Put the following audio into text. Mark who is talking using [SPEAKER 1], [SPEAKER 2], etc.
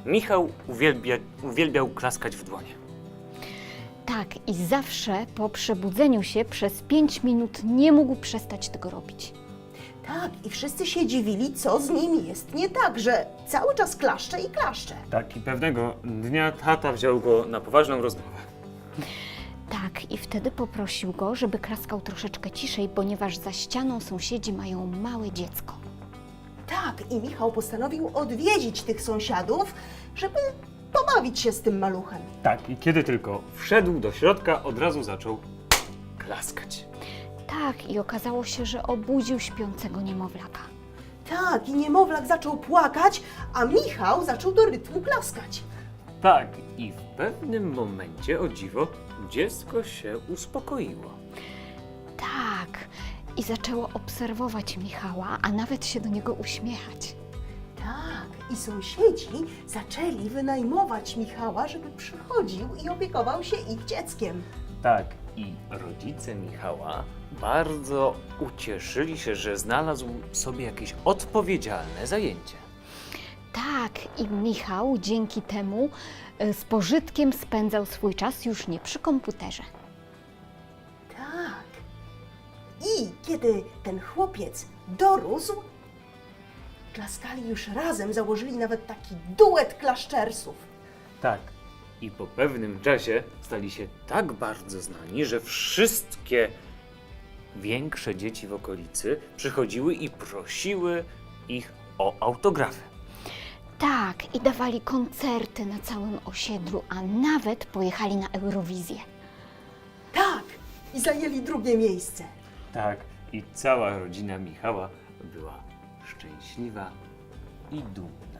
[SPEAKER 1] Michał uwielbiał klaskać w dłonie.
[SPEAKER 2] Tak, i zawsze po przebudzeniu się przez 5 minut nie mógł przestać tego robić.
[SPEAKER 3] Tak, i wszyscy się dziwili, co z nim jest nie tak, że cały czas klaszcze i klaszcze.
[SPEAKER 1] Tak, i pewnego dnia tata wziął go na poważną rozmowę.
[SPEAKER 2] Tak, i wtedy poprosił go, żeby klaskał troszeczkę ciszej, ponieważ za ścianą sąsiedzi mają małe dziecko.
[SPEAKER 3] Tak, i Michał postanowił odwiedzić tych sąsiadów, żeby pobawić się z tym maluchem.
[SPEAKER 1] Tak, i kiedy tylko wszedł do środka, od razu zaczął klaskać.
[SPEAKER 2] Tak, i okazało się, że obudził śpiącego niemowlaka.
[SPEAKER 3] Tak, i niemowlak zaczął płakać, a Michał zaczął do rytmu klaskać.
[SPEAKER 1] Tak, i w pewnym momencie, o dziwo, dziecko się uspokoiło.
[SPEAKER 2] Tak, i zaczęło obserwować Michała, a nawet się do niego uśmiechać.
[SPEAKER 3] Tak, i sąsiedzi zaczęli wynajmować Michała, żeby przychodził i opiekował się ich dzieckiem.
[SPEAKER 1] Tak, i rodzice Michała bardzo ucieszyli się, że znalazł sobie jakieś odpowiedzialne zajęcie.
[SPEAKER 2] Tak, i Michał dzięki temu z pożytkiem spędzał swój czas już nie przy komputerze.
[SPEAKER 3] Tak. I kiedy ten chłopiec dorósł, klaskali już razem, założyli nawet taki duet klaszczersów.
[SPEAKER 1] Tak, i po pewnym czasie stali się tak bardzo znani, że wszystkie większe dzieci w okolicy przychodziły i prosiły ich o autografy.
[SPEAKER 2] Tak, i dawali koncerty na całym osiedlu, a nawet pojechali na Eurowizję.
[SPEAKER 3] Tak, i zajęli drugie miejsce.
[SPEAKER 1] Tak, i cała rodzina Michała była szczęśliwa i dumna.